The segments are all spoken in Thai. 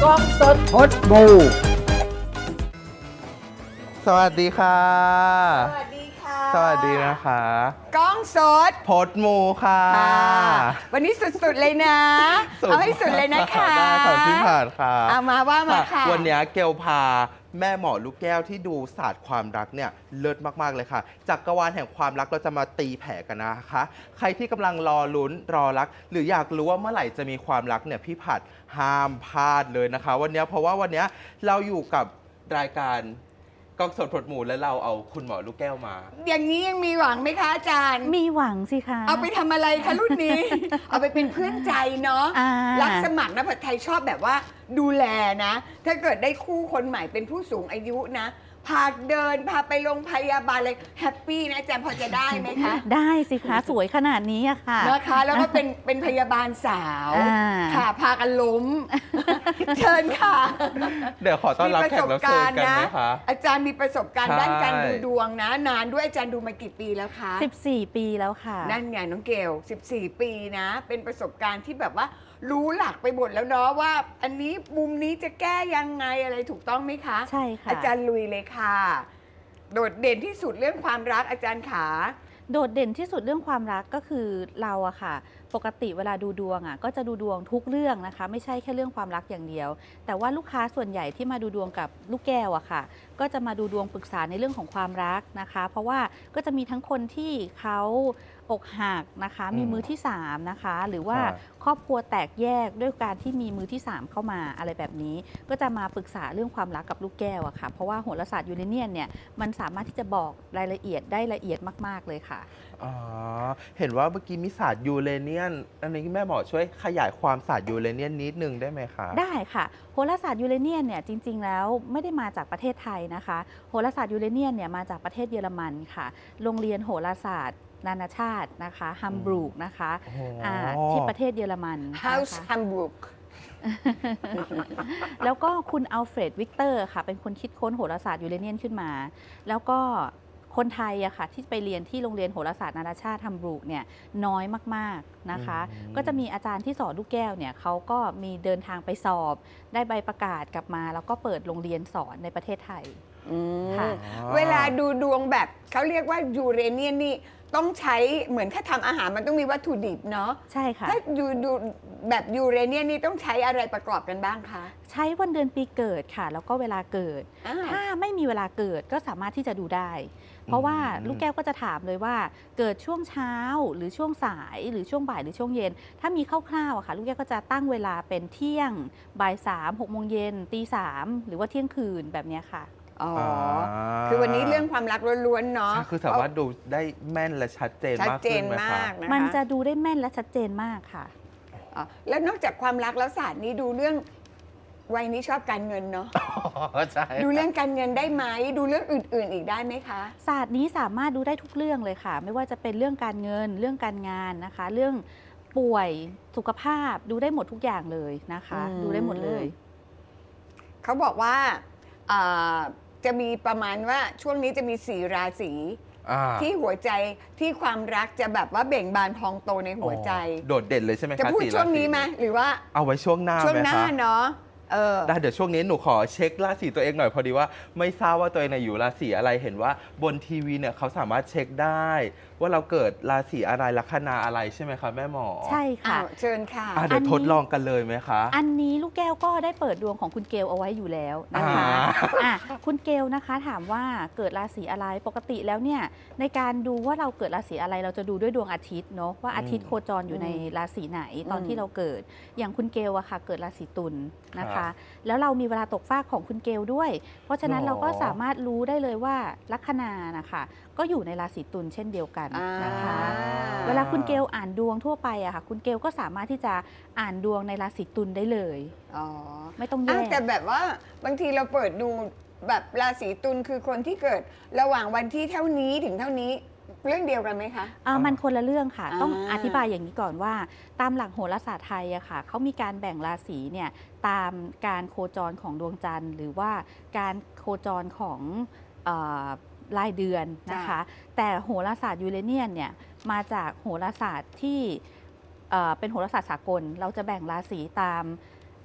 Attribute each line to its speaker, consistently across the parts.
Speaker 1: กล้องสดพดบูสวัสดีค่ะ
Speaker 2: สวัสดีค่ะ
Speaker 1: สวัสดีนะคะ
Speaker 2: กล้องสด
Speaker 1: พดมูค่ะ
Speaker 2: วันนี้สุดๆเลยนะ เอาให้สุดเลยนะคะ
Speaker 1: ได้ค่ะพี่ผ่านค่ะ
Speaker 2: เอามาว่ามาค่ะ
Speaker 1: วันนี้เกลพาแม่หมอลูกแก้วที่ดูศาสตร์ความรักเนี่ยเลิศมากๆเลยค่ะจักรวาลแห่งความรักเราจะมาตีแผ่กันนะคะใครที่กำลังรอลุ้นรอรักหรืออยากรู้ว่าเมื่อไหร่จะมีความรักเนี่ยพี่ผัดห้ามพลาดเลยนะคะวันนี้เพราะว่าวันนี้เราอยู่กับรายการกล้องสดพดหมูและเราเอาคุณหมอลูกแก้วมา
Speaker 2: อย่างนี้ยังมีหวังไหมคะอาจารย์
Speaker 3: มีหวังสิคะ
Speaker 2: เอาไปทำอะไรคะรุ่นนี้ เอาไปเป็นเพื่อนใจเนาะรับสมัครนะผัดไทยชอบแบบว่าดูแลนะ ถ้าเกิดได้คู่คนใหม่เป็นผู้สูงอายุนะพาเดินพาไปโรงพยาบาลเลยแฮปปี้นะอาจารย์พอจะได้ไหมคะ
Speaker 3: ได้สิคะสวยขนาดนี้อะค่ะ
Speaker 2: นะคะแล้วก็เป็นพยาบาลสาวค่ะพากันล้ม เชิญค่ะ
Speaker 1: เดี๋ยวขอต้อนรับแขกรับเชิญกันไหมคะ
Speaker 2: อาจารย์มีประสบการณ์ด้านการดูดวงนะนานด้วยอาจารย์ดูมากี่ปีแล้วคะ
Speaker 3: 14 ปีแล้วค่ะ
Speaker 2: นั่นไงน้องเกล14 ปีนะเป็นประสบการณ์ที่แบบว่ารู้หลักไปหมดแล้วเนาะว่าอันนี้มุมนี้จะแก้ยังไงอะไรถูกต้องไหมคะ
Speaker 3: ใช่ค่ะ
Speaker 2: อาจารย์ลุยเลยค่ะโดดเด่นที่สุดเรื่องความรักอาจารย์ขา
Speaker 3: โดดเด่นที่สุดเรื่องความรักก็คือเราอะค่ะปกติเวลาดูดวงอะก็จะดูดวงทุกเรื่องนะคะไม่ใช่แค่เรื่องความรักอย่างเดียวแต่ว่าลูกค้าส่วนใหญ่ที่มาดูดวงกับลูกแก้วอะค่ะก็จะมาดูดวงปรึกษาในเรื่องของความรักนะคะเพราะว่าก็จะมีทั้งคนที่เขาอกหักนะคะมีมือที่3นะคะหรือว่าครอบครัวแตกแยกด้วยการที่มีมือที่3เข้ามาอะไรแบบนี้ก็จะมาปรึกษาเรื่องความรักกับลูกแก้วอะค่ะเพราะว่าโหราศาสตร์ยูเรเนียนเนี่ยมันสามารถที่จะบอกรายละเอียดได้ละเอียดมากๆเลยค่ะ
Speaker 1: อ๋อเห็นว่าเมื่อกี้มีศาสตร์ยูเรเนียนอันนี้แม่หมอช่วยขยายความศาสตร์ยูเรเนียนนิดนึงได้ไหมคะ
Speaker 3: ได้ค่ะโหราศาสตร์ยูเรเนียนเนี่ยจริงๆแล้วไม่ได้มาจากประเทศไทยนะคะโหราศาสตร์ยูเรเนียนเนี่ยมาจากประเทศเยอรมันค่ะโรงเรียนโหราศาสตร์นานาชาตินะคะฮัมบรูกนะคะที่ประเทศเยอรมัน
Speaker 2: House Hamburg
Speaker 3: แล้วก็คุณอัลเฟรดวิกเตอร์ค่ะเป็นคนคิดค้นโหราศาสตร์ยูเรเนียนขึ้นมาแล้วก็คนไทยอะค่ะที่ไปเรียนที่โรงเรียนโหราศาสตร์นานาชาติฮัมบรูกเนี่ยน้อยมากๆนะคะก็จะมีอาจารย์ที่สอนลูกแก้วเนี่ยเขาก็มีเดินทางไปสอบได้ใบประกาศกลับมาแล้วก็เปิดโรงเรียนสอนในประเทศไทย
Speaker 2: เวลาดูดวงแบบเขาเรียกว่ายูเรเนียนนี่ต้องใช้เหมือนถ้าทำอาหารมันต้องมีวัตถุดิบเนาะ
Speaker 3: ใช่ค่ะ
Speaker 2: ถ้าดูแบบยูเรเนียนนี่ต้องใช้อะไรประกอบกันบ้างคะ
Speaker 3: ใช้วันเดือนปีเกิดค่ะแล้วก็เวลาเกิดถ้าไม่มีเวลาเกิดก็สามารถที่จะดูได้เพราะว่าลูกแก้วก็จะถามเลยว่าเกิดช่วงเช้าหรือช่วงสายหรือช่วงบ่ายหรือช่วงเย็นถ้ามีคร่าวๆอะค่ะลูกแก้วก็จะตั้งเวลาเป็นเที่ยงบ่าย3 6 โมงเย็นตี 3หรือว่าเที่ยงคืนแบบนี้ค่ะ
Speaker 2: อ๋อคือวันนี้เรื่องความรักล้วนๆเนาะ
Speaker 1: คือสามารถดูได้แม่นและชัดเจนมากขึ้นไหมคะ
Speaker 3: มันจะดูได้แม่นและชัดเจนมากค่ะ
Speaker 2: แล้วนอกจากความรักแล้วศาสตร์นี้ดูเรื่องวัยนี้ชอบการเงินเนาะ
Speaker 1: ใช่
Speaker 2: ดูเรื่องการเงินได้ไหมดูเรื่องอื่นๆอีกได้ไหมคะ
Speaker 3: ศาสตร์นี้สามารถดูได้ทุกเรื่องเลยค่ะไม่ว่าจะเป็นเรื่องการเงินเรื่องการงานนะคะเรื่องป่วยสุขภาพดูได้หมดทุกอย่างเลยนะคะดูได้หมดเลย
Speaker 2: เขาบอกว่าจะมีประมาณว่าช่วงนี้จะมี4 ราศีที่หัวใจที่ความรักจะแบบว่าเบ่งบานพองโตในหัวใจ
Speaker 1: โดดเด่นเลยใช่ไหมคะ
Speaker 2: จะพูดช่วงนี้ไหมหรือว่า
Speaker 1: เอาไว้ช่วงหน้า
Speaker 2: ช่วงหน้าเนาะ
Speaker 1: ได้เดี๋ยวช่วงนี้หนูขอเช็คราศีตัวเองหน่อยพอดีว่าไม่ทราบว่าตัวเองอยู่ราศีอะไรเห็นว่าบนทีวีเนี่ยเขาสามารถเช็คได้ว่าเราเกิดราศีอะไรลัคนาอะไรใช่ไหมคะแม่หมอ
Speaker 3: ใช่ค่ะ
Speaker 2: เชิญค่ะ
Speaker 1: เดี๋ยวทดลองกันเลยไหมคะ
Speaker 3: อันนี้ลูกแก้วก็ได้เปิดดวงของคุณเกลเอาไว้อยู่แล้วนะคะคุณเกลนะคะถามว่าเกิดราศีอะไรปกติแล้วเนี่ยในการดูว่าเราเกิดราศีอะไรเราจะดูด้วยดวงอาทิตย์เนาะว่าอาทิตย์โคจรอยู่ในราศีไหนตอนที่เราเกิดอย่างคุณเกลอะค่ะเกิดราศีตุลนะคะแล้วเรามีเวลาตกฟากของคุณเกลด้วยเพราะฉะนั้นเราก็สามารถรู้ได้เลยว่าลัคนานะคะก็อยู่ในราศีตุลเช่นเดียวกันนะคะเวลาคุณเกลอ่านดวงทั่วไปอะค่ะคุณเกลก็สามารถที่จะอ่านดวงในราศีตุลได้เลยไม่ต้องแยก
Speaker 2: แต่แบบว่าบางทีเราเปิดดูแบบราศีตุลคือคนที่เกิดระหว่างวันที่เท่านี้ถึงเท่านี้เรื่องเดียวกันไหมคะ
Speaker 3: มันคนละเรื่องค่ะต้องอธิบายอย่างนี้ก่อนว่าตามหลักโหราศาสตร์ไทยอะค่ะเขามีการแบ่งราศีเนี่ยตามการโคจรของดวงจันทร์หรือว่าการโคจรของรายเดือนนะคะแต่โหราศาสตร์ยูเรเนียนเนี่ยมาจากโหราศาสตร์ที่เป็นโหราศาสตร์สากลเราจะแบ่งราศีตาม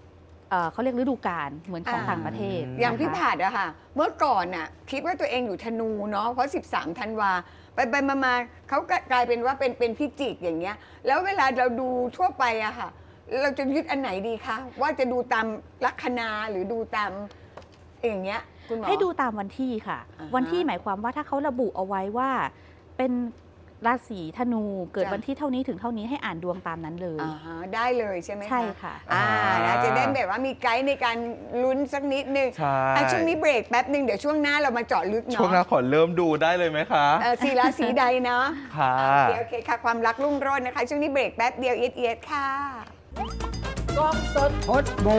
Speaker 3: เขาเรียกฤดูกาลเหมือนของต่างประเทศ
Speaker 2: อย่างพี่
Speaker 3: นะคะ
Speaker 2: ผาดอะค่ะ เมื่อก่อนน่ะคิดว่าตัวเองอยู่ธนูเนาะเพราะ 13 ธันวาไปมาเขากลายเป็นว่าเป็นพิจิกอย่างเงี้ยแล้วเวลาเราดูทั่วไปอะค่ะ เราจะยึดอันไหนดีคะว่าจะดูตามลัคนาหรือดูตามอย่างเงี้ยคุณหมอ
Speaker 3: ให้ดูตามวันที่ค่ะ
Speaker 2: อ่าฮะ
Speaker 3: วันที่หมายความว่าถ้าเขาระบุเอาไว้ว่าเป็นราศีธนูเกิด
Speaker 2: จ้ะ
Speaker 3: วันที่เท่านี้ถึงเท่านี้ให้อ่านดวงตามนั้นเลย
Speaker 2: อ่าฮะได้เลยใช่ไหมคะ
Speaker 3: ใช่ค่ะ
Speaker 2: นะจะได้แบบว่ามีไกด์ในการลุ้นสักนิดนึง
Speaker 1: ใช่
Speaker 2: ช่วงนี้เบรกแป๊บหนึ่งเดี๋ยวช่วงหน้าเรามาเจาะลึก
Speaker 1: ช่วงห
Speaker 2: เนาะ
Speaker 1: น้าขอเริ่มดูได้เลยไหมคะ
Speaker 2: สีราศีใดเนาะ
Speaker 1: ค่ะ
Speaker 2: โอเคค่ะ ความรักรุ่งโรจน์นะคะ ช่วงนี้เบรกแป๊บเดียวเอียดๆค่ะ
Speaker 4: กล้องสด
Speaker 2: พดบู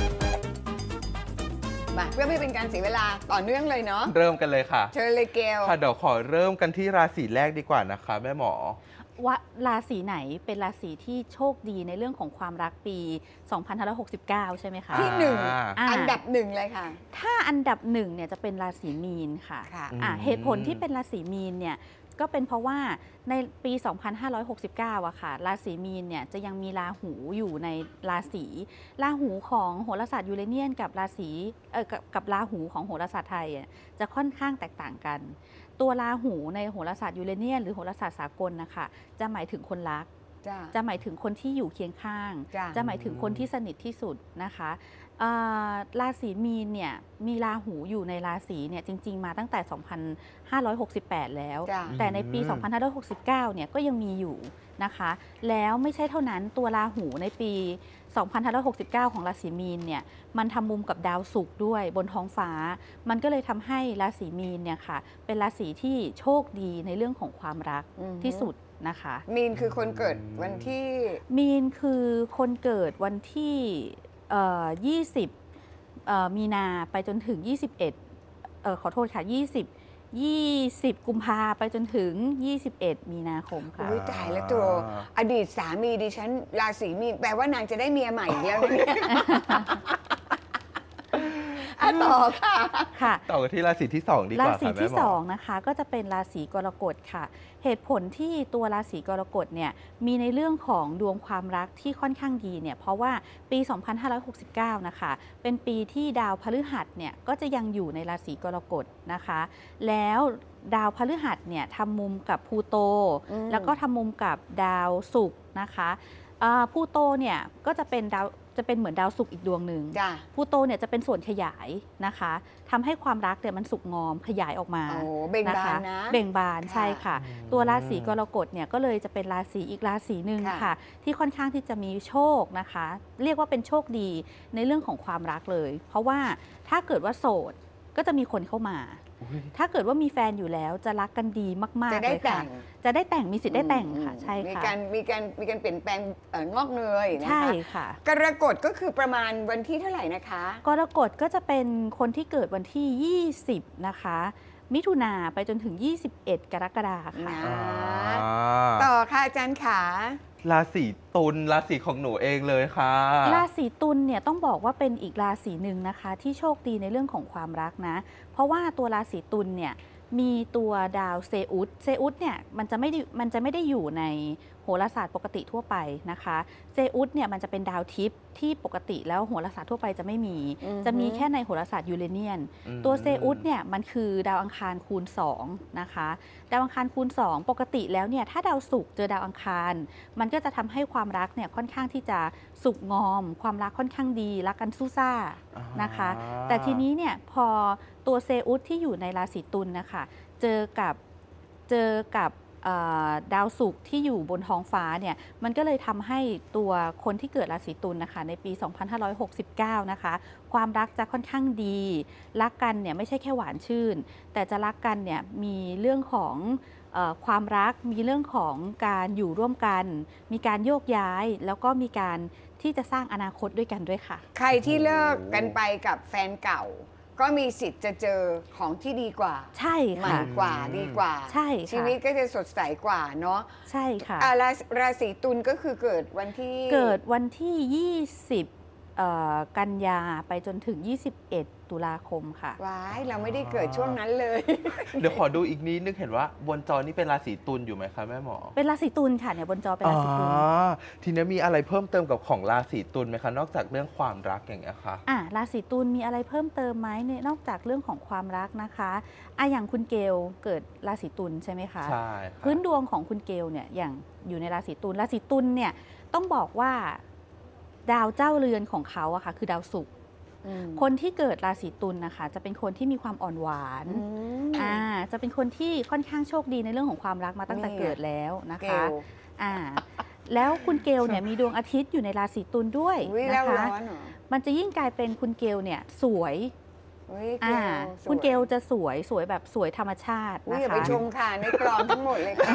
Speaker 2: มาเพื่อไม่เป็นการเสียเวลาต่อเนื่องเลยเนาะ
Speaker 1: เริ่มกันเลยค่ะ
Speaker 2: เชิญเลยเกล
Speaker 1: ค่ะเดี๋ยวขอเริ่มกันที่ราศีแรกดีกว่านะคะแม่หมอ
Speaker 3: ว่าราศีไหนเป็นราศีที่โชคดีในเรื่องของความรักปี 2569 ใช่ไหมคะ
Speaker 2: ที่หนึ่ง
Speaker 3: อ่า
Speaker 2: อันดับหนึ่งเลยค่ะ
Speaker 3: ถ้าอันดับหนึ่งเนี่ยจะเป็นราศีมีนค่ะ
Speaker 2: ค่ะ
Speaker 3: เหตุผลที่เป็นราศีมีนเนี่ยก็เป็นเพราะว่าในปี 2569อะค่ะราศีมีนเนี่ยจะยังมีราหูอยู่ในราศีราหูของโหราศาสตร์ยูเรเนียนกับราศีกับราหูของโหราศาสตร์ไทยจะค่อนข้างแตกต่างกัน ตัวราหูในโหราศาสตร์ยูเรเนียนหรือโหราศาสตร์สากลนะคะจะหมายถึงคนรัก
Speaker 2: จ้า
Speaker 3: จะหมายถึงคนที่อยู่เคียงข้าง
Speaker 2: จ้ะ
Speaker 3: จะหมายถึงคนที่สนิทที่สุดนะคะราศีมีนเนี่ยมีราหูอยู่ในราศีเนี่ยจริงๆมาตั้งแต่ 2568 แล้ว
Speaker 2: จ้า
Speaker 3: แต่ในปี 2569 เนี่ยก็ยังมีอยู่นะคะ แล้วไม่ใช่เท่านั้นตัวราหูในปี 2569 ของราศีมีนเนี่ยมันทำมุมกับดาวศุกร์ด้วยบนท้องฟ้า มันก็เลยทำให้ราศีมีนเนี่ยค่ะเป็นราศีที่โชคดีในเรื่องของความรัก
Speaker 2: อือฮึ
Speaker 3: ที่สุดนะคะ
Speaker 2: มีนคือคนเกิดวันที่
Speaker 3: มีนคือคนเกิดวันที่20มีนาไปจนถึง ขอโทษค่ะ 20 กุมภาไปจนถึง 21 มีนาคมค่ะ
Speaker 2: อุ้ยตายแล้วตัวอดีตสามีดิฉันราศีมีนแปลว่านางจะได้เมียใหม่อีกแล้วนะเนี่ย ต่อค่ะ
Speaker 3: ค่ะ
Speaker 1: ต่อกันที่ราศีที่ 2 ดีก
Speaker 3: รา
Speaker 1: ว่า
Speaker 3: ศี
Speaker 1: ค่ะแม่
Speaker 3: ที่
Speaker 1: หมอ
Speaker 3: 2นะคะก็จะเป็นราศีกรกฎค่ะ เหตุผลที่ตัวราศีกรกฎเนี่ยมีในเรื่องของดวงความรักที่ค่อนข้างดีเนี่ยเพราะว่าปี 2569 นะคะเป็นปีที่ดาวพฤหัสเนี่ยก็จะยังอยู่ในราศีกรกฎนะคะ แล้วดาวพฤหัสเนี่ยทำมุมกับพลูโต
Speaker 2: อืม
Speaker 3: แล้วก็ทำมุมกับดาวศุกร์นะคะพลูโตเนี่ยก็จะเป็นเหมือนดาวศุกร์อีกดวงหนึ่ง
Speaker 2: จ้า
Speaker 3: พลูโตเนี่ยจะเป็นส่วนขยายนะคะทำให้ความรักเนี่ยมันสุกงอมขยายออกมา
Speaker 2: โอ้เบ่งบานนะ
Speaker 3: เบ่งบาน
Speaker 2: ค่ะ
Speaker 3: ใช่ค่ะ ตัวราศีกรกฎเนี่ยก็เลยจะเป็นราศีอีกราศีหนึ่ง
Speaker 2: ค่ะ
Speaker 3: ค่ะ ที่ค่อนข้างที่จะมีโชคนะคะ เรียกว่าเป็นโชคดีในเรื่องของความรักเลย เพราะว่าถ้าเกิดว่าโสดก็จะมีคนเข้ามา ถ้าเกิดว่ามีแฟนอยู่แล้วจะรักกันดีมาก
Speaker 2: จะ
Speaker 3: ๆ
Speaker 2: ได้
Speaker 3: เลย
Speaker 2: แต่
Speaker 3: ค่ะ
Speaker 2: ง
Speaker 3: จะได้แต่งมีสิทธิ์ได้แต่งค่ะใช่
Speaker 2: มี
Speaker 3: ค่ะ
Speaker 2: การเปลี่ยนแปลงงอกเงยนะคะ
Speaker 3: ใช่ค่ะ
Speaker 2: กรกฎก็คือประมาณวันที่เท่าไหร่นะคะ
Speaker 3: กรกฎก็จะเป็นคนที่เกิดวันที่ 20 นะคะ มิถุนาไปจนถึง 21 กรกฎาคมค่ะ
Speaker 2: นะ
Speaker 1: อ่า
Speaker 2: ต่อค่ะอาจารย์ขา
Speaker 1: ราศีตุลราศีของหนูเองเลยค่ะ
Speaker 3: ราศีตุลเนี่ยต้องบอกว่าเป็นอีกราศีหนึ่งนะคะ ที่โชคดีในเรื่องของความรักนะ เพราะว่าตัวราศีตุลเนี่ยมีตัวดาวเซอุสเนี่ยมันจะไม่ได้อยู่ในโหราศาสตร์ปกติทั่วไปนะคะเซอุสเนี่ยมันจะเป็นดาวทิพย์ที่ปกติแล้วโหราศาสตร์ทั่วไปจะไม่มี จะมีแค่ในโหราศาสตร์ยูเรเนียน ตัวเซอุสเนี่ยมันคือดาวอังคารคูณ2นะคะดาวอังคารคูณ2ปกติแล้วเนี่ยถ้าดาวศุกร์เจอดาวอังคาร มันก็จะทำให้ความรักเนี่ยค่อนข้างที่จะสุกงอม ความรักค่อนข้างดีรักกันสู้ซ่านะคะ แต่ทีนี้เนี่ยพอตัวเซอุสที่อยู่ในราศีตุลนะคะเจอกับดาวศุกร์ที่อยู่บนท้องฟ้าเนี่ยมันก็เลยทำให้ตัวคนที่เกิดราศีตุลนะคะในปี 2569 นะคะความรักจะค่อนข้างดีรักกันเนี่ยไม่ใช่แค่หวานชื่น แต่จะรักกันเนี่ยมีเรื่องของความรักมีเรื่องของการอยู่ร่วมกัน มีการโยกย้ายแล้วก็มีการที่จะสร้างอนาคตด้วยกันด้วยค่ะ
Speaker 2: ใครที่เลิกกันไปกับแฟนเก่า ก็มีสิทธิ์จะเจอของที่ดีกว่า
Speaker 3: ใช่
Speaker 2: ใหม่
Speaker 3: ค่ะ
Speaker 2: กว่าดีกว่า
Speaker 3: ใช่ค่ะ
Speaker 2: ชีวิตก็จะสดใสกว่าเนาะ
Speaker 3: ใช่ค่ะ
Speaker 2: ราศีตุลก็คือเกิดวันที่
Speaker 3: เกิดวันที่ 20 กันยาไปจนถึง 21 ตุลาคมค่ะ
Speaker 2: ว้ายเราไม่ได้เกิดช่วงนั้นเลย
Speaker 1: เดี๋ยวขอดูอีกนิดนึงเห็นว่าบนจอนี่เป็นราศีตุลอยู่ไหมคะแม่หมอ
Speaker 3: เป็นราศีตุลค่ะเนี่ยบนจอเป็นราศีตุล
Speaker 1: ทีนี้มีอะไรเพิ่มเติมกับของราศีตุลไหมคะนอกจากเรื่องความรักอย่างเงี้ยค่ะ
Speaker 3: ราศีตุลมีอะไรเพิ่มเติมไหมเนี่ยนอกจากเรื่องของความรักนะคะอย่างคุณเกลเกิดราศีตุลใช่ไหมคะ
Speaker 1: ใช่ค่ะ
Speaker 3: พื้นดวงของคุณเกลเนี่ยอย่างอยู่ในราศีตุลราศีตุลเนี่ยต้องบอกว่าดาวเจ้าเรือนของเขาอะค่ะคือดาวศุกร์คนที่เกิดราศีตุลนะคะจะเป็นคนที่มีความอ่อนหวานจะเป็นคนที่ค่อนข้างโชคดีในเรื่องของความรักมาตั้งแต่เกิดแล้วนะคะแล้วคุณเกลเนี่ยมีดวงอาทิตย์อยู่ในราศีตุลด้วยนะคะมันจะยิ่งกลายเป็นคุณเกลเนี่ยสวยคุณเกลจะสวยแบบสวยธรรมชาตินะคะ
Speaker 2: อย่าไปชมค่ะในกรองทั้งหมดเลยค่ะ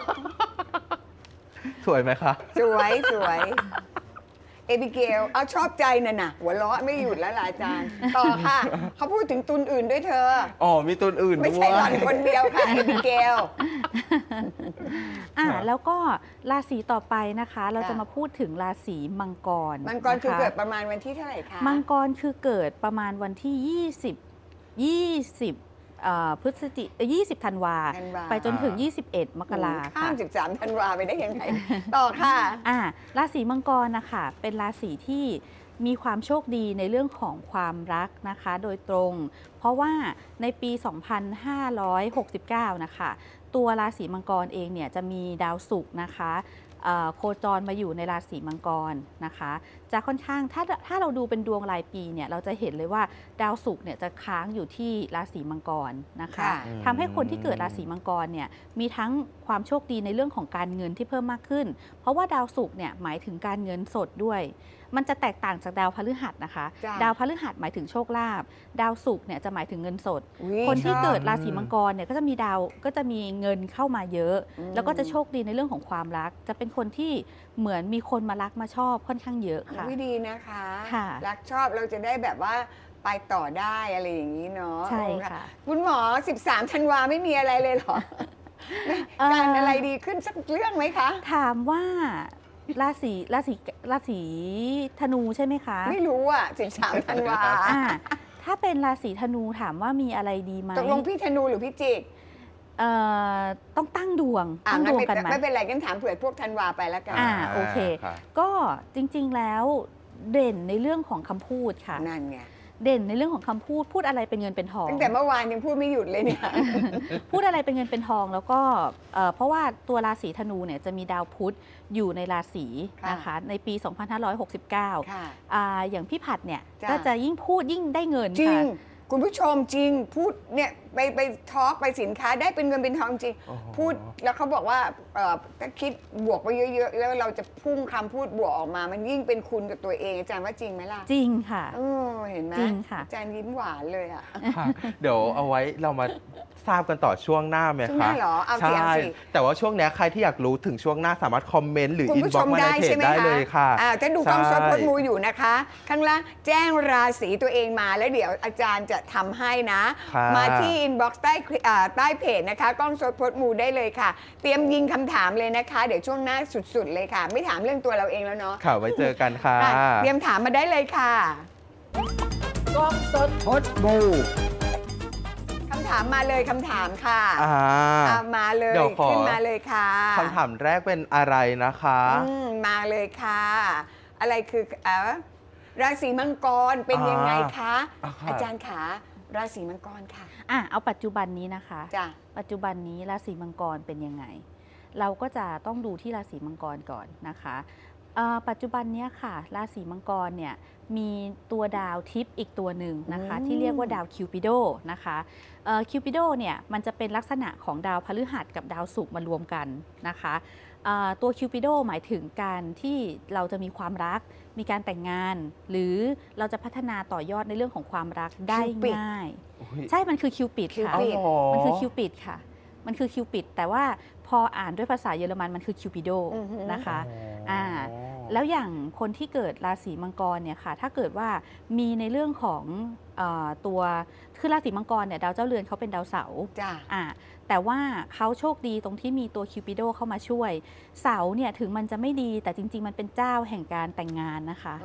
Speaker 1: สวยไหมคะ
Speaker 2: สวยเอบิเกลเอาชอบใจน่ะหัวเราะไม่หยุดแล้วล่ะอาจารย์ต่อค่ะเขาพูดถึงตุลอื่นด้วยเธอ
Speaker 1: มีตุลอื่นด้วย
Speaker 2: ไม่ใช่หล่อนคนเดียวค่ะเอบิเกล
Speaker 3: แล้วก็ราศีต่อไปนะคะ เราจะมาพูดถึงราศีมังกร
Speaker 2: คือเกิดประมาณวันที่เท่าไหร่คะ
Speaker 3: มังกรคือเกิดประมาณวันที่20 ธันวาไปจนถึง 21 มกราค่ะ
Speaker 2: ข้าม13 ธันวาไปได้ยังไงต่อค่ะ
Speaker 3: ราศีมังกรนะคะเป็นราศีที่มีความโชคดีในเรื่องของความรักนะคะโดยตรงเพราะว่าในปี 2569 นะคะตัวราศีมังกรเองเนี่ยจะมีดาวศุกร์นะคะโคจรมาอยู่ในราศีมังกรนะคะจะค่อนข้างถ้าเราดูเป็นดวงรายปีเนี่ยเราจะเห็นเลยว่าดาวศุกร์เนี่ยจะค้างอยู่ที่ราศีมังกรนะคะทำให้คนที่เกิดราศีมังกรเนี่ยมีทั้งความโชคดีในเรื่องของการเงินที่เพิ่มมากขึ้นเพราะว่าดาวศุกร์เนี่ยหมายถึงการเงินสดด้วยมันจะแตกต่างจากดาวพฤหัสนะคะดาวพฤหัสหมายถึงโชคลาภดาวศุกร์เนี่ยจะหมายถึงเงินสดคนที่เกิดราศีมังกรเนี่ยก็จะมีเงินเข้ามาเยอะแล้วก็จะโชคดีในเรื่องของความรักจะเป็นคนที่เหมือนมีคนมารักมาชอบค่อนข้างเยอะค่ะ
Speaker 2: ดีนะคะรักชอบเราจะได้แบบว่าไปต่อได้อะไรอย่างนี้เนาะ
Speaker 3: ใช่ค่ะ
Speaker 2: คุณหมอ13 ธันวาไม่มีอะไรเลยเหรอการอะไรดีขึ้นสักเรื่องไหมคะ
Speaker 3: ถามว่าราศีธนูใช่ไหมคะ
Speaker 2: ไม่รู้13 ธันวา
Speaker 3: ถ้าเป็นราศีธนูถามว่ามีอะไรดีไหม
Speaker 2: ตกลงพี่ธนูหรือพี่จิก
Speaker 3: ต้องตั้งดวง
Speaker 2: กันไหมไม่เป็นไรกันถามเผื่อพวกธันวาไปแล้วกัน
Speaker 3: โอเคก็จริงๆแล้วเด่นในเรื่องของคำพูดค่ะ
Speaker 2: นั่นไง
Speaker 3: เด่นในเรื่องของคำพูดอะไรเป็นเงินเป็นทอง
Speaker 2: ตั้งแต่เมื่อวานยังพูดไม่หยุดเลยเนี่ย
Speaker 3: พูดอะไรเป็นเงินเป็นทองแล้วก็เพราะว่าตัวราศีธนูเนี่ยจะมีดาวพุธอยู่ในราศีนะคะในปี 2569อย่างพี่ผัดเนี่ยก็จะยิ่งพูดยิ่งได้เงิน
Speaker 2: จริงคุณผู้ชมจริงพูดเนี่ยไปทอล์กไปสินค้าได้เป็นเงินเป็นทองจริงพูดแล้วเขาบอกว่าถ้าคิดบวกไปเยอะๆแล้วเราจะพุ่งคำพูดบวกออกมามันยิ่งเป็นคุณกับตัวเองอาจารย์ว่าจริงไหมล่ะ
Speaker 3: จริงค่ะ
Speaker 2: เห็นไหม
Speaker 3: จริงค่ะ
Speaker 2: อาจารย์ยิ้มหวานเลยอ่ะ
Speaker 1: เดี๋ยวเอาไว้เรามาทราบกันต่อช่วงหน้าไหมคะ
Speaker 2: ช่วงหน้าเหรอเอาเสียงสิ
Speaker 1: แต่ว่าช่วงนี้ใครที่อยากรู้ถึงช่วงหน้าสามารถคอมเมนต์หรืออินบ็อกซ์มาในเพจได้เลยค่ะ
Speaker 2: ถ้าดูกล้องสดพดมูอยู่นะคะข้างล่างแจ้งราศีตัวเองมาแล้วเดี๋ยวอาจารย์จะทำให้นะมาที่อินบ็อกซ์ใต้เพจนะคะกล้องสดพดมูได้เลยค่ะเตรียมยิงคำถามเลยนะคะเดี๋ยวช่วงหน้าสุดๆเลยค่ะไม่ถามเรื่องตัวเราเองแล้วเนาะ
Speaker 1: ค่ะไว้เจอกันค่ะ
Speaker 2: เตรียมถามมาได้เลยค่ะ
Speaker 4: กล้องสดพดมู
Speaker 2: คำถามมาเลยคำถามค่ะมาเลยขึ้นมาเลยค่ะ
Speaker 1: คำถามแรกเป็นอะไรนะคะ
Speaker 2: มาเลยค่ะอะไรคือราศีมังกรเป็นยังไงคะอาจารย์ขาราศีมังกรค่ะ
Speaker 3: เอาปัจจุบันนี้นะคะ
Speaker 2: จ้ะ
Speaker 3: ปัจจุบันนี้ราศีมังกรเป็นยังไงเราก็จะต้องดูที่ราศีมังกรก่อนนะคะปัจจุบันนี้ค่ะราศีมังกรเนี่ยมีตัวดาวทิพย์อีกตัวหนึ่งนะคะที่เรียกว่าดาวคิวปิโดนะคะคิวปิโดเนี่ยมันจะเป็นลักษณะของดาวพฤหัสกับดาวศุกร์มารวมกันนะคะตัวคิวปิโดหมายถึงการที่เราจะมีความรักมีการแต่งงานหรือเราจะพัฒนาต่อยอดในเรื่องของความรักได้ง่ายใช่มันคือคิวปิดค่ะมันคือคิวปิดค่ะมันคือคิวปิดแต่ว่าพออ่านด้วยภาษาเยอรมันมันคือคิวปิโดนะคะแล้วอย่างคนที่เกิดราศีมังกรเนี่ยค่ะถ้าเกิดว่ามีในเรื่องของตัวคือราศีมังกรเนี่ยดาวเจ้าเรือนเขาเป็นดาวเสาร์แต่ว่าเขาโชคดีตรงที่มีตัวคิวปิโดเข้ามาช่วยเสาร์เนี่ยถึงมันจะไม่ดีแต่จริงๆมันเป็นเจ้าแห่งการแต่งงานนะคะ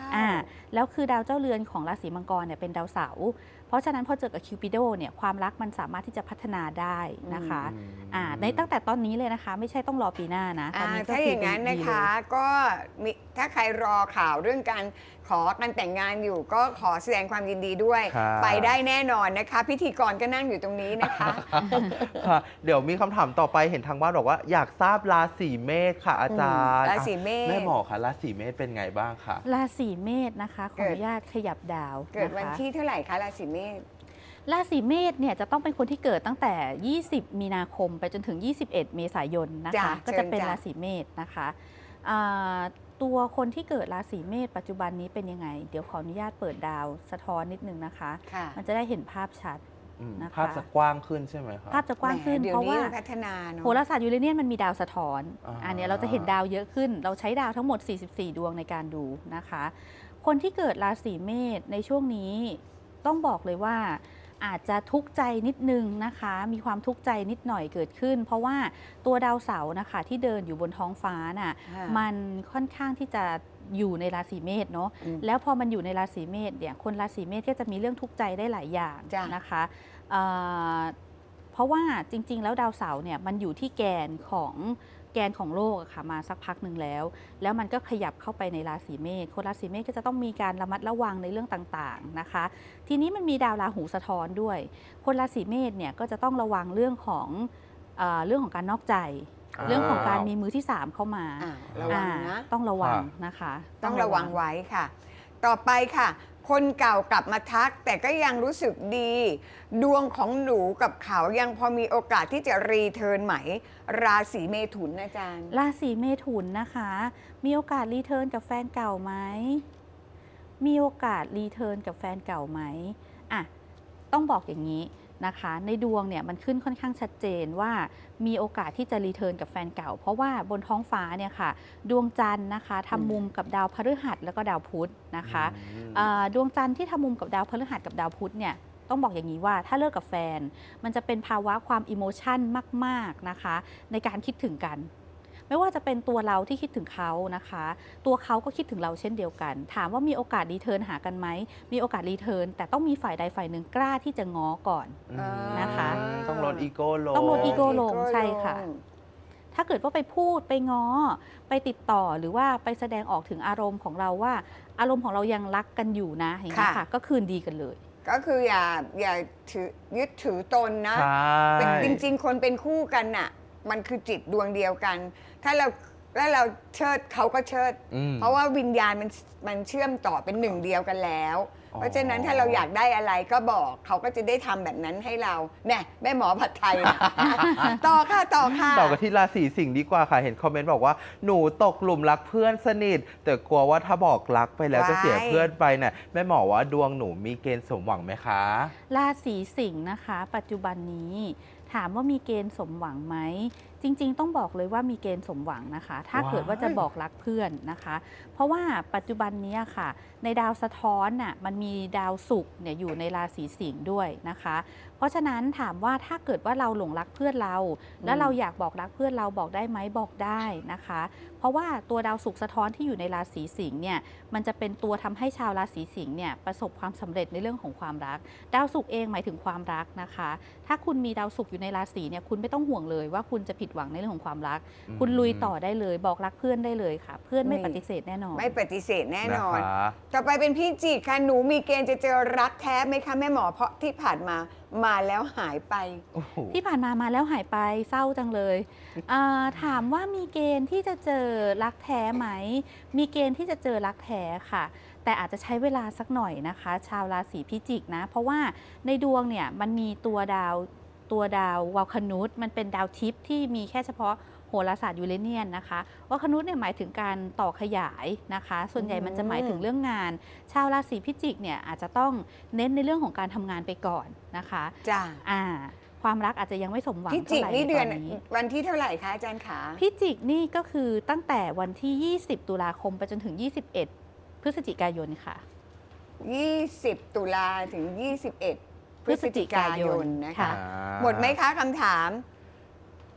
Speaker 3: แล้วคือดาวเจ้าเรือนของราศีมังกรเนี่ยเป็นดาวเสาร์เพราะฉะนั้นพอเจอกับคิวปิโดเนี่ยความรักมันสามารถที่จะพัฒนาได้นะคะในตั้งแต่ตอนนี้เลยนะคะไม่ใช่ต้องรอปีหน้านะตอนนี้ก็
Speaker 2: ถ้าอย่างนั้นนะคะก็มีถ้าใครรอข่าวเรื่องการขอการแต่งงานอยู่ก็ขอแสดงความยินดีด้วย ไปได้แน่นอนนะคะ พิธีกรก็นั่งอยู่ตรงนี้นะคะ
Speaker 1: ค่ะเดี๋ยวมีคำถามต่อไปเห็นทางบ้านบอกว่าอยากทราบราศีเมษค่ะอาจารย์
Speaker 2: ราศีเมษ
Speaker 1: แม่หมอค่ะราศีเมษเป็นไงบ้างคะ
Speaker 3: ราศีเมษนะคะขออนุญาตขยับดาว
Speaker 2: เกิดวัน
Speaker 3: นะคะ
Speaker 2: ที่เท่าไหร่คะราศีเมษ
Speaker 3: ราศีเมษเนี่ยจะต้องเป็นคนที่เกิดตั้งแต่ 20 มีนาคมไปจนถึง 21 เมษายนนะคะก็จะเป็นราศีเมษนะคะตัวคนที่เกิดราศีเมษปัจจุบันนี้เป็นยังไงเดี๋ยวขออนุญาตเปิดดาวสะท้อนนิดนึงนะคะมันจะได้เห็นภาพชัดนะคะ
Speaker 1: ภาพจะกว้างขึ้นใช่ไหมคะ
Speaker 3: ภาพจะกว้างขึ้นเพราะว่า
Speaker 2: พัฒนาเนอะ
Speaker 3: โหราศาสตร์ยูเรเนียนมันมีดาวสะท้อน
Speaker 1: อัน
Speaker 3: เนี้ยเราจะเห็นดาวเยอะขึ้น เราใช้ดาวทั้งหมด 44 ดวงในการดูนะคะ คนที่เกิดราศีเมษในช่วงนี้ต้องบอกเลยว่าอาจจะทุกข์ใจนิดนึงนะคะ มีความทุกข์ใจนิดหน่อยเกิดขึ้น เพราะว่าตัวดาวเสาร์นะคะที่เดินอยู่บนท้องฟ้าน่ะมันค่อนข้างที่จะอยู่ในราศีเมษเนาะแล้วพอมันอยู่ในราศีเมษเนี่ยคนราศีเมษก็จะมีเรื่องทุกข์ใจได้หลายอย่างนะคะเพราะว่าจริงๆแล้วดาวเสาร์เนี่ยมันอยู่ที่แกนของโลกอะค่ะมาสักพักหนึ่งแล้วมันก็ขยับเข้าไปในราศีเมษคนราศีเมษก็จะต้องมีการระมัดระวังในเรื่องต่างๆนะคะทีนี้มันมีดาวราหูสะท้อนด้วยคนราศีเมษเนี่ยก็จะต้องระวังเรื่องของการนอกใจเรื่องของการมีมือที่3เข้ามา
Speaker 2: ระวังนะ
Speaker 3: ต้องระวังนะคะ
Speaker 2: ต้องระวังไว้ค่ะ ต่อไปค่ะ คนเก่ากลับมาทักแต่ก็ยังรู้สึกดี ดวงของหนูกับเขายังพอมีโอกาสที่จะรีเทิร์นไหมราศีเมถุนอาจารย์
Speaker 3: ราศีเมถุนนะคะมีโอกาสรีเทิร์นกับแฟนเก่าไหมมีโอกาสรีเทิร์นกับแฟนเก่าไหมต้องบอกอย่างนี้นะคะในดวงเนี่ยมันขึ้นค่อนข้างชัดเจนว่ามีโอกาสที่จะรีเทิร์นกับแฟนเก่าเพราะว่าบนท้องฟ้าเนี่ยค่ะดวงจันทร์นะคะทำมุมกับดาวพฤหัสแล้วก็ดาวพุธนะคะดวงจันทร์ที่ทำมุมกับดาวพฤหัสกับดาวพุธเนี่ยต้องบอกอย่างนี้ว่าถ้าเลิกกับแฟนมันจะเป็นภาวะความอิโมชันมากๆนะคะในการคิดถึงกันไม่ว่าจะเป็นตัวเราที่คิดถึงเขานะคะตัวเขาก็คิดถึงเราเช่นเดียวกันถามว่ามีโอกาสรีเทิร์นหากันไหมมีโอกาสรีเทิร์นแต่ต้องมีฝ่ายใดฝ่ายหนึ่งกล้าที่จะง้อก่อนนะคะ
Speaker 1: ต้องลดอีโก้ลง
Speaker 3: ต้องลดอีโก้ลงใช่ค่ะถ้าเกิดว่าไปพูดไปง้อไปติดต่อหรือว่าไปแสดงออกถึงอารมณ์ของเราว่าอารมณ์ของเรายังรักกันอยู่นะอย่างนี้ค่ะก็คืนดีกันเลย
Speaker 2: ก็คืออย่ายึดถือตนนะจริงๆคนเป็นคู่กันน่ะมันคือจิตดวงเดียวกันถ้าเราเชิดเขาก็เชิดเพราะว่าวิญญาณมันเชื่อมต่อเป็นหนึ่งเดียวกันแล้วเพราะฉะนั้นถ้าเราอยากได้อะไรก็บอกเขาก็จะได้ทำแบบนั้นให้เราเนี่ยแม่หมอผัดไทย ต่อค่ะต่อ
Speaker 1: กันที่ราศีสิงห์ดีกว่าค่ะเห็นคอมเมนต์บอกว่าหนูตกหลุมรักเพื่อนสนิทแต่กลัวว่าถ้าบอกรักไปแล้วจะเสียเพื่อนไปเนี่ยแม่หมอว่าดวงหนูมีเกณฑ์สมหวังไหมคะ
Speaker 3: ราศีสิงห์นะคะปัจจุบันนี้ถามว่ามีเกณฑ์สมหวังไหมจริงๆต้องบอกเลยว่ามีเกณฑ์สมหวังนะคะถ้าเกิดว่าจะบอกรักเพื่อนนะคะเพราะว่าปัจจุบันนี้ค่ะในดาวสะท้อนน่ะมันมีดาวศุกร์เนี่ยอยู่ในราศีสิงห์ด้วยนะคะเพราะฉะนั้นถามว่าถ้าเกิดว่าเราหลงรักเพื่อนเราแล้วเราอยากบอกรักเพื่อนเราบอกได้ไหมบอกได้นะคะเพราะว่าตัวดาวศุกร์สะท้อนที่อยู่ในราศีสิงห์เนี่ยมันจะเป็นตัวทำให้ชาวราศีสิงห์เนี่ยประสบความสำเร็จในเรื่องของความรักดาวศุกร์เองหมายถึงความรักนะคะถ้าคุณมีดาวศุกร์อยู่ในราศีเนี่ยคุณไม่ต้องห่วงเลยว่าคุณจะผิดหวังในเรื่องของความรักคุณลุยต่อได้เลยบอกรักเพื่อนได้เลยค่ะเพื่อนไม่ปฏิเสธแน่นอน
Speaker 2: ไม่ปฏิเสธแน่นอนต่อไปเป็นพี่จิกค่ะหนูมีเกณฑ์จะเจอรักแท้ไหมคะแม่หมอเพราะที่ผ่านมาแล้วหายไป
Speaker 3: ที่ผ่านมาแล้วหายไปเศร้าจังเลยถามว่ามีเกณฑ์ที่จะเจอรักแท้ไหมมีเกณฑ์ที่จะเจอรักแท้ค่ะแต่อาจจะใช้เวลาสักหน่อยนะคะชาวราศีพิจิกนะเพราะว่าในดวงเนี่ยมันมีตัวดาววาลคนุสมันเป็นดาวทิพย์ที่มีแค่เฉพาะโหราศาสตร์ยูเรเนียนนะคะวาลคนุสเนี่ยหมายถึงการต่อขยายนะคะส่วนใหญ่มันจะหมายถึงเรื่องงานชาวราศีพิจิกเนี่ยอาจจะต้องเน้นในเรื่องของการทำงานไปก่อนนะคะ
Speaker 2: จ้า
Speaker 3: ความรักอาจจะยังไม่สมหวัง
Speaker 2: พิจิกนี่เดือนวันที่เท่าไหร่คะอาจารย์ขา
Speaker 3: พิจิกนี่ก็คือตั้งแต่วันที่20ตุลาคมไปจนถึง21พฤศจิกายนค่ะ
Speaker 2: 20ตุลาถึง21พฤศจิกายนนะคะหมดไหมคะคำถาม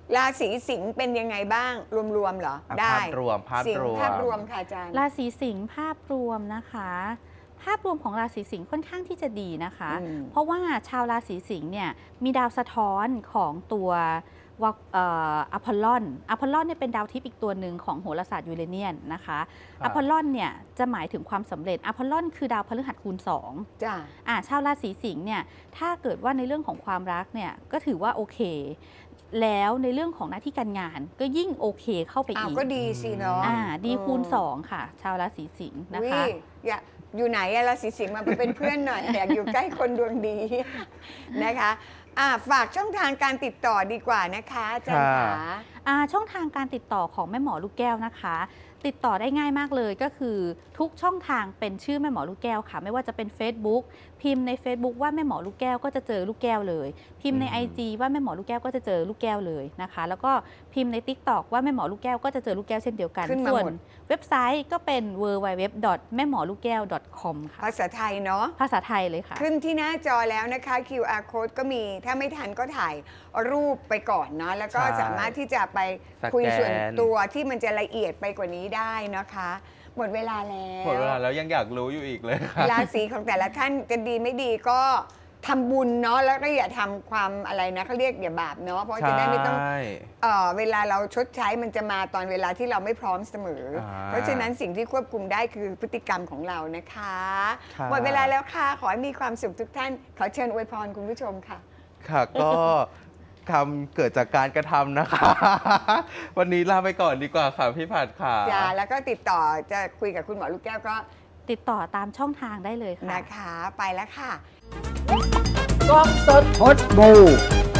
Speaker 2: ราศีสิงห์เป็นยังไงบ้างรวมๆเหรอ
Speaker 1: อ่ะ
Speaker 2: ได้
Speaker 1: ภาพรวมภาพ
Speaker 2: สิง
Speaker 1: ร
Speaker 2: ห์
Speaker 1: วม
Speaker 2: ภาพรวมค่ะอาจารย์
Speaker 3: ราศีสิงห์ภาพรวมนะคะ ภาพรวมของราศีสิงห์ค่อนข้างที่จะดีนะคะ
Speaker 2: อืม
Speaker 3: เพราะว่าชาวราศีสิงห์เนี่ยมีดาวสะท้อนของตัวอพอลลอนเนี่ยเป็นดาวทิพย์อีกตัวหนึ่งของโหราศาสตร์ยูเรเนียนนะคะ
Speaker 1: ครั
Speaker 3: อบ พอลลอนเนี่ยจะหมายถึงความสำเร็จอพอลลอนคือดาวพฤหัสคูณ2
Speaker 2: จ้า
Speaker 3: ชาวราศีสิงห์เนี่ยถ้าเกิดว่าในเรื่องของความรักเนี่ยก็ถือว่าโอเค แล้วในเรื่องของหน้าที่การงานก็ยิ่งโอเคเข้าไป
Speaker 2: อ้าว
Speaker 3: อีก
Speaker 2: ก็ดีสิเนาะ
Speaker 3: ดีคูณ2ค่ะ ชาวราศีสิงห์นะคะ
Speaker 2: อุ๊ยอยากอยู่ไหนอะราศีสิงห์มาเป็นเพื่อนหน่อย อยากอยู่ใกล้คนดวงดี นะคะฝากช่องทางการติดต่อดีกว่านะคะอาจารย์ขา
Speaker 3: ช่องทางการติดต่อของแม่หมอลูกแก้วนะคะ ติดต่อได้ง่ายมากเลยก็คือทุกช่องทางเป็นชื่อแม่หมอลูกแก้วค่ะ ไม่ว่าจะเป็น Facebook พิมพ์ใน Facebook ว่าแม่หมอลูกแก้วก็จะเจอลูกแก้วเลย พิมพ์ใน IG ว่าแม่หมอลูกแก้วก็จะเจอลูกแก้วเลยนะคะ แล้วก็พิมพ์ใน TikTok ว่าแม่หมอลูกแก้วก็จะเจอลูกแก้วเช่นเดียวกัน
Speaker 2: ขึ้นมา
Speaker 3: ส่วน
Speaker 2: หมด
Speaker 3: เว็บไซต์ก็เป็น www.memorlukgaew.com ค่ะ
Speaker 2: ภาษาไทยเนาะ
Speaker 3: ภาษาไทยเลยค่ะ
Speaker 2: ขึ้นที่หน้าจอแล้วนะคะ QR code ก็มีถ้าไม่ทันก็ถ่ายรูปไปก่อนเนาะแล้วก็
Speaker 1: ใช่
Speaker 2: สามารถที่จะไป
Speaker 1: สแกน
Speaker 2: คุยส่วนตัวที่มันจะละเอียดไปกว่านี้ได้นะคะ หมดเวลาแล้ว
Speaker 1: หมดเวลาแล้วยังอยากรู้อยู่อีกเลยค่ะ
Speaker 2: ราศีของแต่ละท่านจะดีไม่ดีก็ทำบุญเนาะแล้วก็อย่าทำความอะไรนะเขาเรียกอย่าบาปเนาะเพราะจะได้ไม่ต้อง
Speaker 1: ใช่
Speaker 2: เวลาเราชดใช้มันจะมาตอนเวลาที่เราไม่พร้อมเสมอ เพราะฉะนั้นสิ่งที่ควบคุมได้คือพฤติกรรมของเรานะคะ
Speaker 1: ค่ะ
Speaker 2: หมดเวลาแล้วค่ะ ขอให้มีความสุขทุกท่าน ขอเชิญอวยพรคุณผู้ชมค่ะ
Speaker 1: ค่ะก็ทำเกิดจากการกระทำนะคะ วันนี้ลาไปก่อนดีกว่าค่ะพี่ผัดค่ะ
Speaker 2: จ้าแล้วก็ติดต่อจะคุยกับคุณหมอลูกแก้วก็
Speaker 3: ติดต่อตามช่องทางได้เลยค่ะ
Speaker 2: นะคะ ไปแล้วค่ะ
Speaker 4: กล้องสดพดบู